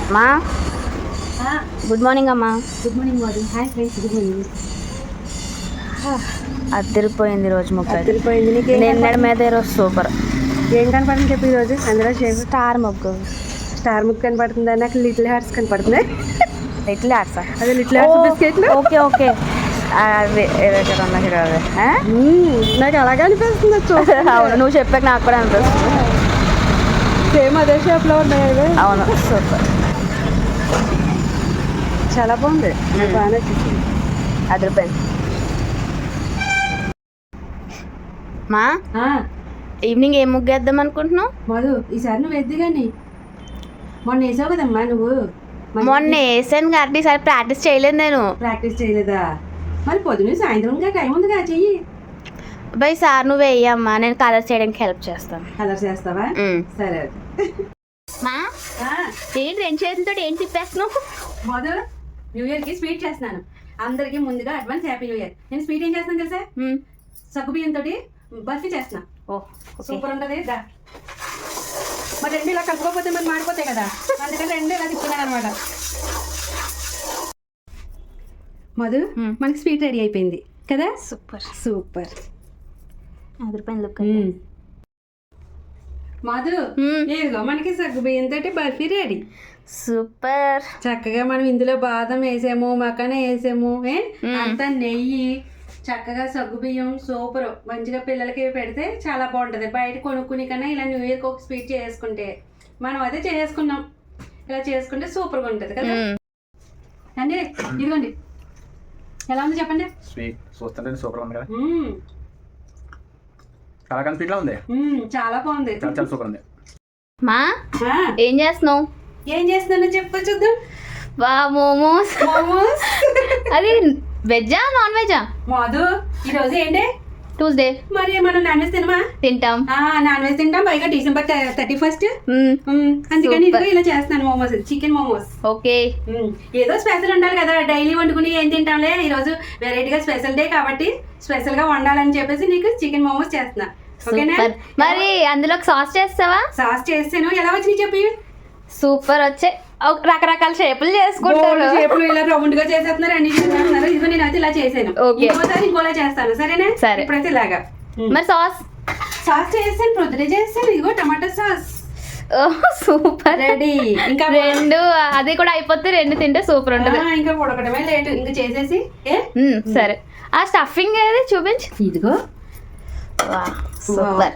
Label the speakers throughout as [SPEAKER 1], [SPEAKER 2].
[SPEAKER 1] మా good morning అమ్మా.
[SPEAKER 2] Good morning Modi. Hi friends, good morning.
[SPEAKER 1] అద్దరిపోయింది రోజు ముక్క.
[SPEAKER 2] అద్దరిపోయింది. నీకు
[SPEAKER 1] నిన్నటి మీద ఈరోజు సూపర్.
[SPEAKER 2] ఏం కనపడుతుంది చెప్పి ఈరోజు? అందులో
[SPEAKER 1] స్టార్ ముగ్గు.
[SPEAKER 2] స్టార్ ముగ్గు కనపడుతుందా? నాకు లిటిల్ హార్ట్స్ కనపడుతున్నాయి.
[SPEAKER 1] Little hearts?
[SPEAKER 2] అదే లిటిల్ హార్ట్స్ బిస్కెట్లు.
[SPEAKER 1] ఓకే ఓకే,
[SPEAKER 2] నాకు అలాగే అనిపిస్తుంది.
[SPEAKER 1] అవును, నువ్వు చెప్పాక నాకు కూడా అనిపిస్తుంది.
[SPEAKER 2] సేమ్ అదే షేప్లో ఉన్నాయి.
[SPEAKER 1] అవును, సూపర్,
[SPEAKER 2] చాలా బాగుంది. బాగా నచ్చింది.
[SPEAKER 1] అదిరిపోయింది. మా ఈవినింగ్ ఏం ముగ్గు వేద్దాం అనుకుంటున్నావు?
[SPEAKER 2] మధు, ఈసారి నువ్వు వేద్ది కానీ మొన్న వేసావు కదమ్మా నువ్వు.
[SPEAKER 1] మొన్న వేసాను కాబట్టి ఈసారి ప్రాక్టీస్ చేయలేదు. నేను
[SPEAKER 2] ప్రాక్టీస్ చేయలేదా? మరి పొద్దున్న సాయంత్రం ఇంకా టైం ఉందిగా, చెయ్యి.
[SPEAKER 1] బై సార్ నువ్వు వేయమ్మా, నేను కలర్ చేయడానికి హెల్ప్ చేస్తాను.
[SPEAKER 2] కలర్ చేస్తావా? సరే.
[SPEAKER 1] మా ఏంటి రెండు చేతులతో ఏం తిప్పేస్తున్నావు?
[SPEAKER 2] మధు, న్యూ ఇయర్కి స్వీట్ చేస్తున్నాను. అందరికి ముందుగా అడ్వాన్స్ హ్యాపీ న్యూ ఇయర్. నేను స్వీట్ ఏం చేస్తాను తెలుసా? సగ్గుబియ్యం తోటి బర్ఫీ చేస్తున్నా. సూపర్ ఉంటుంది. మరి రెండు ఇలా కలుపుకోకపోతే మరి మాడిపోతాయి కదా, అందుకని రెండు ఇలా తిప్పుతున్నాను అనమాట. మధు, మనకి స్వీట్ రెడీ అయిపోయింది కదా.
[SPEAKER 1] Super
[SPEAKER 2] super.
[SPEAKER 1] అదిరిపోయింది లుక్.
[SPEAKER 2] మధు, ఏదిగో మనకి సగ్గుబియ్యం తోటి బర్ఫీ రెడీ.
[SPEAKER 1] సూపర్.
[SPEAKER 2] చక్కగా మనం ఇందులో బాదం వేసాము, మకాన వేసాము, అంతా నెయ్యి, చక్కగా సగ్గుబియ్యం. సూపర్. మంచిగా పిల్లలకి పెడితే చాలా బాగుంటుంది. బయట కొనుక్కుని కన్నా ఇలా న్యూ ఇయర్కి ఒక స్వీట్ చేసుకుంటే, మనం అదే చేసుకున్నాం, ఇలా చేసుకుంటే సూపర్గా ఉంటుంది కదా అండి. ఇదిగోండి, ఎలా ఉంది చెప్పండి.
[SPEAKER 3] స్వీట్ చూస్తుంటే సూపర్ ఉంది కదా. కలాకండ్ స్వీట్ లా ఉంది.
[SPEAKER 2] చాలా బాగుంది.
[SPEAKER 3] చాలా సూపర్ ఉంది.
[SPEAKER 1] మా ఏం చేస్తున్నావు?
[SPEAKER 2] ఏం చేస్తున్నానో చెప్పు చూద్దాం.
[SPEAKER 1] వా మోమోస్.
[SPEAKER 2] మోమోస్.
[SPEAKER 1] అది వెజ్జా నాన్ వెజ్జా?
[SPEAKER 2] మధు, ఈరోజు ఏంటి?
[SPEAKER 1] ట్యూస్డే.
[SPEAKER 2] మరి మనం నాన్ వెజ్ తినమా?
[SPEAKER 1] తింటాం.
[SPEAKER 2] నాన్ వెజ్ తింటాం. పైగా December 31st. అందుకని ఇదిగో ఇలా చేస్తున్నాను మోమోస్, చికెన్ మోమోస్.
[SPEAKER 1] ఓకే.
[SPEAKER 2] ఏదో స్పెషల్ ఉండాలి కదా, డైలీ వండుకుని ఏం తింటాంలే, ఈరోజు వెరైటీగా స్పెషల్ డే కాబట్టి స్పెషల్ గా వండాలని చెప్పేసి నీకు చికెన్ మోమోస్ చేస్తున్నా. ఓకేనా?
[SPEAKER 1] మరి అందులో సాస్ చేస్తావా?
[SPEAKER 2] సాస్ చేస్తాను. ఎలా వచ్చినాయి చెప్పి.
[SPEAKER 1] సూపర్ వచ్చాయి. రకరకాల షేపులు చేసుకుంటారు.
[SPEAKER 2] షేపులు ఇలా రౌండ్ గా చేసేస్తున్నారు, అన్ని చేస్తున్నారు. ఇదిగో నేను అయితే ఇలా చేసాను. ఇంకోసారి ఇంకోలా చేస్తాను. సరేనా?
[SPEAKER 1] సరే.
[SPEAKER 2] ఇప్పుడైతే ఇలాగా.
[SPEAKER 1] మరి సాస్
[SPEAKER 2] చేస్తాను, పొద్దునే చేస్తాను. ఇదిగో టమాటా సాస్.
[SPEAKER 1] Super,
[SPEAKER 2] ready. ఇంకా
[SPEAKER 1] రెండు అది కూడా అయిపోతే రెండు తింటే సూపర్ ఉంటుంది.
[SPEAKER 2] ఇంకా ఉడకటమే లేటు. ఇంకా చేసేసి
[SPEAKER 1] సరే. ఆ స్టఫింగ్ ఏది చూపించు.
[SPEAKER 2] ఇదిగో.
[SPEAKER 1] సూపర్.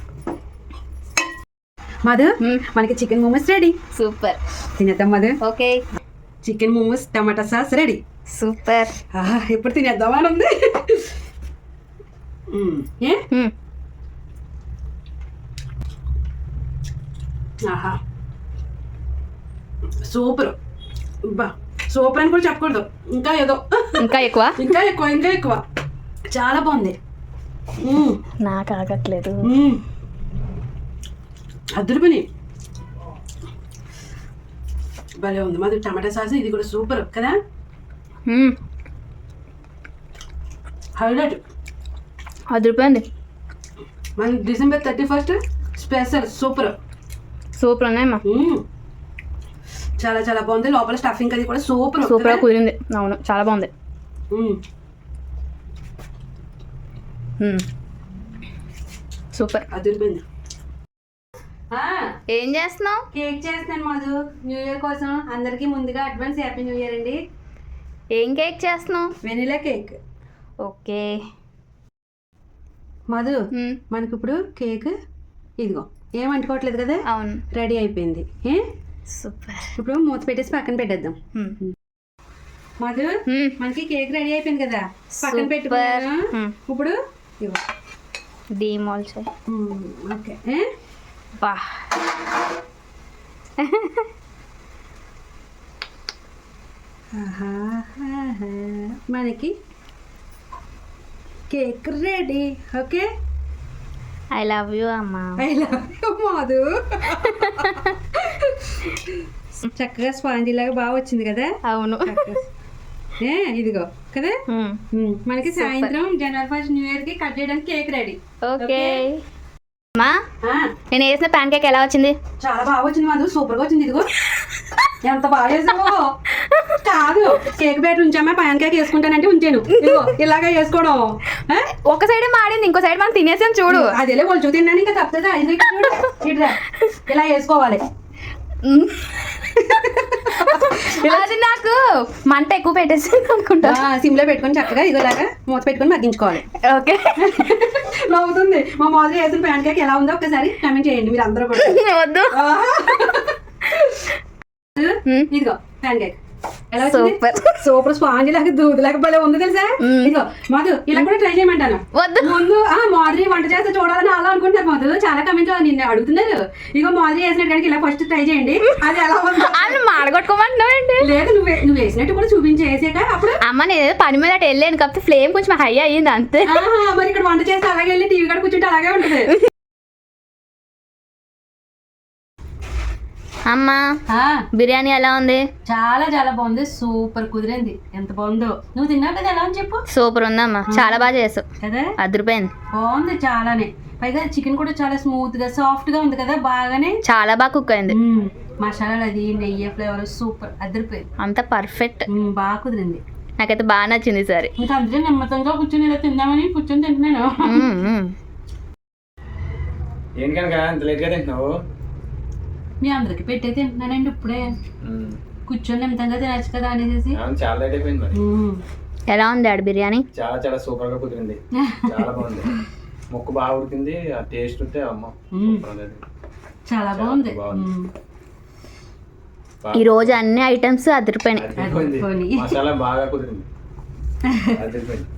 [SPEAKER 2] మధు, మనకి చికెన్ మోమోస్ రెడీ.
[SPEAKER 1] సూపర్.
[SPEAKER 2] తినేద్దాం Madhu.
[SPEAKER 1] Okay.
[SPEAKER 2] Chicken momos tomato sauce ready.
[SPEAKER 1] Super.
[SPEAKER 2] ఎప్పుడు తినేద్దామా అని ఉంది. ఆహా, సూపర్. బా, సూపర్ అని కూడా చెప్పకూడదు, ఇంకా ఏదో
[SPEAKER 1] ఇంకా ఎక్కువ
[SPEAKER 2] ఇంకా ఎక్కువ ఇంకా ఎక్కువ. చాలా బాగుంది.
[SPEAKER 1] నాకు ఆగట్లేదు.
[SPEAKER 2] అద్దరిపోయి భలే ఉంది మాది టమాటా సాస్. ఇది కూడా సూపర్ కదా. హైలైట్.
[SPEAKER 1] అదిరిపోయింది.
[SPEAKER 2] మన December 31st special. Super
[SPEAKER 1] super ఉన్నాయమ్మా.
[SPEAKER 2] చాలా చాలా బాగుంది. లోపల స్టఫింగ్ అది కూడా సూపర్
[SPEAKER 1] సూపర్ కుదిరింది. అవును, చాలా బాగుంది. సూపర్.
[SPEAKER 2] అదిరిపోయింది.
[SPEAKER 1] ఏం చేస్తున్నావు?
[SPEAKER 2] కేక్ చేస్తున్నాను మధు, న్యూ ఇయర్ కోసం. అందరికి ముందుగా అడ్వాన్స్ హ్యాపీ న్యూ ఇయర్ అండి.
[SPEAKER 1] ఏం కేక్ చేస్తున్నావు?
[SPEAKER 2] Vanilla cake.
[SPEAKER 1] ఓకే
[SPEAKER 2] మధు, మనకి ఇప్పుడు కేక్ ఇదిగో ఏం అంటుకోవట్లేదు కదా.
[SPEAKER 1] అవును,
[SPEAKER 2] రెడీ అయిపోయింది.
[SPEAKER 1] సూపర్.
[SPEAKER 2] ఇప్పుడు మూత పెట్టేసి పక్కన పెట్టేద్దాం. మధు, మనకి కేక్ రెడీ అయిపోయింది కదా, పక్కన పెట్టుకున్నాను. ఇప్పుడు
[SPEAKER 1] డీమాల్ చేయి.
[SPEAKER 2] ఓకే.
[SPEAKER 1] బా,
[SPEAKER 2] మనకి cake ready. Okay.
[SPEAKER 1] I love you అమ్మా.
[SPEAKER 2] I love you Madhu. చక్కగా స్పాంజీ లాగా బాగా వచ్చింది కదా.
[SPEAKER 1] అవును.
[SPEAKER 2] ఇదిగో కదా. మనకి సాయంత్రం January 1st న్యూ ఇయర్ కి కట్ చేయడానికి కేక్ రెడీ.
[SPEAKER 1] ఓకే. నేను వేసిన ప్యాన్ కేక్ ఎలా వచ్చింది?
[SPEAKER 2] చాలా బాగా వచ్చింది మధు, సూపర్ గా వచ్చింది. ఇదిగో ఎంత బాగా చేసావో. కాదు కేక్ బ్యాటర్ ఉంచామా పాన్ కేక్ వేసుకుంటానంటే ఉంచాను. ఇదిగో ఇలాగా వేసుకోవడం. ఆ?
[SPEAKER 1] ఒక సైడ్ మాడింది, ఇంకో సైడ్ మనం తినేసాం చూడు.
[SPEAKER 2] అదేలే ఒలుచు తిన్నాను ఇంకా తప్పదా. చూడు ఇట్లా ఇలా వేసుకోవాలి.
[SPEAKER 1] అది నాకు మంట ఎక్కువ పెట్టేసింది అనుకుంటా.
[SPEAKER 2] సిమ్లో పెట్టుకొని చక్కగా ఇదిగోలాగా మూత పెట్టుకొని మగ్గించుకోవాలి.
[SPEAKER 1] ఓకే.
[SPEAKER 2] నవ్వుతుంది. మా మాదిరి వేసిన ప్యాన్ కేక్ ఎలా ఉందో ఒకసారి కామెంట్ చేయండి మీరు అందరూ కూడా.
[SPEAKER 1] వద్దు.
[SPEAKER 2] ఇదిగో pan cake
[SPEAKER 1] super.
[SPEAKER 2] Super sponge లాగా దూదులాగా భలే ఉంది తెలుసా. ఇదిగో మధు ఇలా కూడా ట్రై చేయమంటాను.
[SPEAKER 1] వద్దు.
[SPEAKER 2] ముందు మాదిరి వంట చేస్తే చూడాలని అలా అనుకుంటారు మధు. చాలా కమెంట్ నిన్ను అడుగుతున్నారు. ఇగో మాదిరి వేసినట్టు కనుక ఇలా ఫస్ట్ ట్రై చేయండి. అది ఎలా ఉంది
[SPEAKER 1] అని మాడగొట్టుకోమంటున్నావేంటి?
[SPEAKER 2] లేదు నువ్వు వేసినట్టు కూడా చూపించేసాక అప్పుడు
[SPEAKER 1] అమ్మ నేను పని మీద అటు వెళ్ళాను కాకపోతే ఫ్లేమ్ కొంచెం హై అయ్యింది అంతే.
[SPEAKER 2] మరి ఇక్కడ వంట చేస్తే అలాగే వెళ్ళి టీవీ కాడ కూర్చుంటే అలాగే ఉంటుంది.
[SPEAKER 1] అమ్మా బిర్యానీ ఎలా ఉంది?
[SPEAKER 2] చాలా చాలా బాగుంది. సూపర్ కుదిరింది. ఎంత బాగుందో. నువ్వు తిన్నావు కదా ఎలా అని చెప్పు.
[SPEAKER 1] సూపర్ ఉందమ్మా, చాలా బాగా చేసావు
[SPEAKER 2] కదా.
[SPEAKER 1] అదిరిపోయింది.
[SPEAKER 2] బాగుంది చాలానే. పైగా చికెన్ కూడా చాలా స్మూత్ గా సాఫ్ట్ గా ఉంది కదా. బాగానే
[SPEAKER 1] చాలా బాగా కుక్ అయింది.
[SPEAKER 2] మసాలాలు అది నెయ్యి ఫ్లేవర్ సూపర్ అదిరిపోయింది.
[SPEAKER 1] అంత పర్ఫెక్ట్.
[SPEAKER 2] బాగా కుదిరింది.
[SPEAKER 1] నాకైతే బాగా నచ్చింది సరే.
[SPEAKER 2] ఇంకా అందుకే నెమ్మతంగా కూర్చొని ఇలా తిందామని కూర్చొని తింటున్నాను.
[SPEAKER 3] ఏంటి కనుక ఇంత లేట్గా తింటున్నావు?
[SPEAKER 2] మీ అందరికి పెట్టే తింటున్నానండి ఇప్పుడే. కూర్చొని నెమ్మతంగా తినచ్చు కదా అనేసి.
[SPEAKER 3] చాలా లేట్ అయిపోయింది మరి.
[SPEAKER 1] ఎలా ఉంది ఆడ బిర్యానీ?
[SPEAKER 3] చాలా చాలా సూపర్ గా కుదిరింది. చాలా బాగుంది. ముక్కు బాగా ఉడికింది. ఆ టేస్ట్ ఉంటే అమ్మ
[SPEAKER 2] చాలా బాగుంది.
[SPEAKER 1] ఈ రోజు అన్ని ఐటమ్స్ అదిరిపోయినాయి.
[SPEAKER 3] మసాలా బాగా కుదిరింది. అదిరిపోయింది.